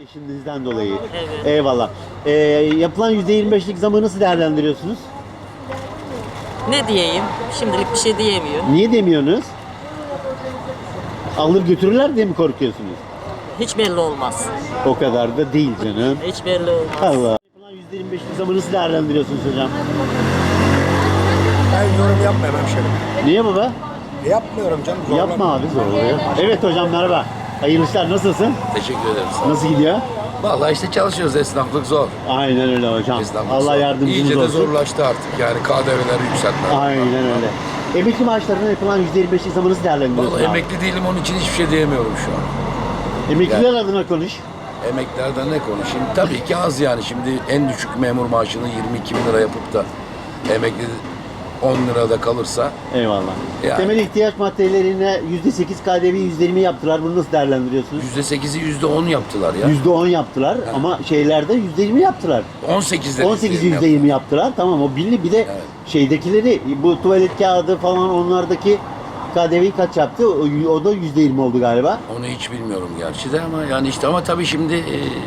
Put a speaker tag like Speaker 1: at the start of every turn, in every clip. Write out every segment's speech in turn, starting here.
Speaker 1: İşinizden dolayı.
Speaker 2: Evet.
Speaker 1: Eyvallah. Yapılan %25'lik zamı nasıl değerlendiriyorsunuz?
Speaker 2: Ne diyeyim? Şimdilik bir şey diyemiyorum.
Speaker 1: Niye demiyorsunuz? Alır götürürler diye mi korkuyorsunuz?
Speaker 2: Hiç belli olmaz.
Speaker 1: O kadar da değil canım.
Speaker 2: Hiç belli olmaz.
Speaker 1: Allah. Yapılan %25'lik zamı nasıl değerlendiriyorsunuz hocam?
Speaker 3: Ben yorum yapmıyorum hemşerim.
Speaker 1: Niye baba?
Speaker 3: Yapmıyorum canım. zorlama.
Speaker 1: Yapma abi zorluyor. Evet hocam merhaba. Hayırlı işler, nasılsın?
Speaker 4: Teşekkür ederiz.
Speaker 1: Nasıl gidiyor?
Speaker 4: Vallahi işte çalışıyoruz, esnaflık zor.
Speaker 1: Aynen öyle hocam.
Speaker 4: Esnaflık
Speaker 1: Allah
Speaker 4: zor.
Speaker 1: yardımcınız
Speaker 4: İyice de
Speaker 1: olsun.
Speaker 4: zorlaştı artık yani KDV'ler yükseltme.
Speaker 1: Aynen öyle. Emekli maaşlarına yapılan %25'lik zamı nasıl değerlendiriyorsun
Speaker 4: Vallahi
Speaker 1: abi?
Speaker 4: emekli değilim, onun için hiçbir şey diyemiyorum şu an.
Speaker 1: Emekliler adına konuş.
Speaker 4: Emeklilerden ne konuşayım? Tabii ki az yani. Şimdi en düşük memur maaşını 22 bin lira yapıp da emekli 10 lirada kalırsa
Speaker 1: Eyvallah.
Speaker 4: Yani.
Speaker 1: Temel ihtiyaç maddelerine %8 KDV %20 yaptılar. Bunu nasıl değerlendiriyorsunuz?
Speaker 4: %8'i %10 yaptılar ya.
Speaker 1: %10 yaptılar ama şeylerde %20 yaptılar.
Speaker 4: 18'de
Speaker 1: 18 %20 yaptılar. Tamam, o belli. Bir de
Speaker 4: Evet.
Speaker 1: şeydekileri, bu tuvalet kağıdı falan, onlardaki KDV'yi kaç yaptı? O da %20 oldu galiba.
Speaker 4: Onu hiç bilmiyorum gerçi de ama yani işte ama tabii şimdi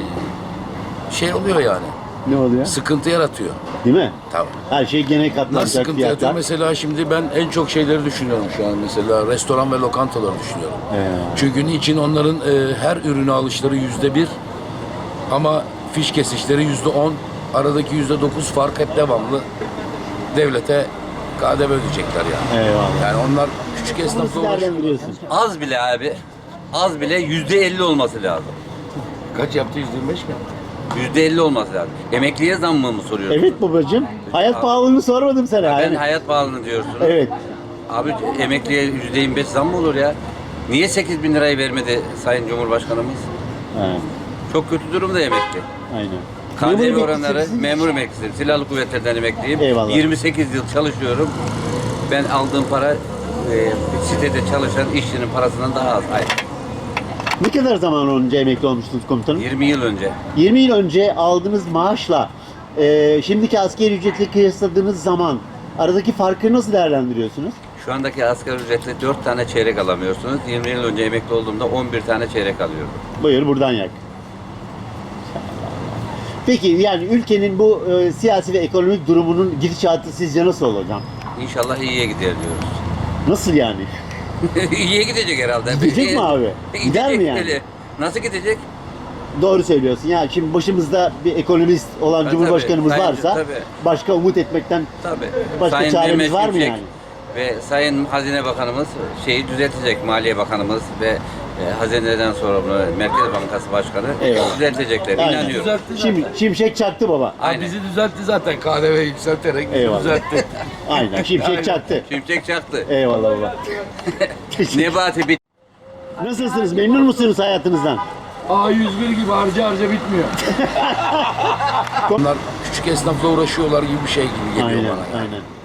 Speaker 4: şey oluyor yani.
Speaker 1: Ne oluyor?
Speaker 4: Sıkıntı yaratıyor.
Speaker 1: Değil mi?
Speaker 4: Tabii.
Speaker 1: Her şey gene
Speaker 4: Nasıl
Speaker 1: katlanacak
Speaker 4: sıkıntı yaratıyor?
Speaker 1: fiyatlar.
Speaker 4: Mesela şimdi ben en çok şeyleri düşünüyorum şu an. Mesela restoran ve lokantaları düşünüyorum. Çünkü niçin onların her ürünü alışları %1 ama fiş kesişleri %10. Aradaki %9 fark hep devamlı devlete KDV ödeyecekler yani.
Speaker 1: Eyvallah.
Speaker 4: Yani onlar küçük
Speaker 1: Nasıl
Speaker 4: esnafla uğraşıyor.
Speaker 1: değerlendiriyorsun?
Speaker 5: Az bile abi. Az bile %50 olması lazım.
Speaker 4: Kaç yaptı? 125 mi?
Speaker 5: %50 olması lazım. Emekliye zam mı soruyorsun?
Speaker 1: Evet babacığım. Hayat pahalılığını sormadım sana.
Speaker 5: Ben
Speaker 1: Yani.
Speaker 5: hayat pahalılığını diyorsun.
Speaker 1: Evet.
Speaker 5: Abi emekliye %25 zam mı olur ya? Niye 8 bin lirayı vermedi Sayın Cumhurbaşkanımız?
Speaker 1: Ha,
Speaker 5: Çok kötü durumda emekli.
Speaker 1: aynen.
Speaker 5: KDV
Speaker 1: Memur
Speaker 5: oranları,
Speaker 1: emeklisi-
Speaker 5: memur emeklisiyim. Silahlı kuvvetlerden emekliyim.
Speaker 1: Eyvallah.
Speaker 5: 28 yıl çalışıyorum. Ben aldığım para sitede çalışan işçinin parasından daha az. Hayır.
Speaker 1: Ne kadar zaman önce emekli olmuştunuz komutanım?
Speaker 5: 20 yıl önce.
Speaker 1: 20 yıl önce aldığınız maaşla şimdiki asgari ücretle kıyasladığınız zaman aradaki farkı nasıl değerlendiriyorsunuz?
Speaker 5: Şu andaki asgari ücretle 4 tane çeyrek alamıyorsunuz. 20 yıl önce emekli olduğumda 11 tane çeyrek alıyordum.
Speaker 1: Buyur buradan yak. Peki yani ülkenin bu siyasi ve ekonomik durumunun gidişatı sizce nasıl olacak?
Speaker 5: İnşallah iyiye gider diyoruz.
Speaker 1: Nasıl yani?
Speaker 5: İyiye gidecek herhalde.
Speaker 1: Gidecek mi abi? Gider mi yani?
Speaker 5: öyle. Nasıl gidecek?
Speaker 1: Doğru söylüyorsun. Yani şimdi başımızda bir ekonomist olan
Speaker 5: Tabii,
Speaker 1: Cumhurbaşkanımız
Speaker 5: sayın-
Speaker 1: varsa
Speaker 5: tabii.
Speaker 1: başka umut etmekten
Speaker 5: Tabii.
Speaker 1: başka çaremiz
Speaker 5: Mehmet
Speaker 1: var mı
Speaker 5: Şimşek
Speaker 1: yani?
Speaker 5: Ve Sayın Hazine Bakanımız şeyi düzeltecek, Maliye Bakanımız ve Hazine'den sorumlu Merkez Bankası Başkanı
Speaker 1: Eyvallah.
Speaker 5: düzeltecekler.
Speaker 1: Aynen.
Speaker 5: İnanıyorum.
Speaker 1: Şimdi Şimşek çaktı baba.
Speaker 5: Aynen.
Speaker 4: Bizi düzeltti zaten KDV yükselterek bizi
Speaker 1: Eyvallah.
Speaker 4: düzeltti.
Speaker 1: Aynen. Şimşek çaktı.
Speaker 5: Şimşek çaktı.
Speaker 1: Eyvallah baba.
Speaker 5: Nebati bit.
Speaker 1: Nasılsınız? Memnun musunuz hayatınızdan?
Speaker 4: A101 gibi harca bitmiyor. Onlar küçük esnafla uğraşıyorlar gibi bir şey gibi geliyor
Speaker 1: Aynen,
Speaker 4: bana.
Speaker 1: aynen.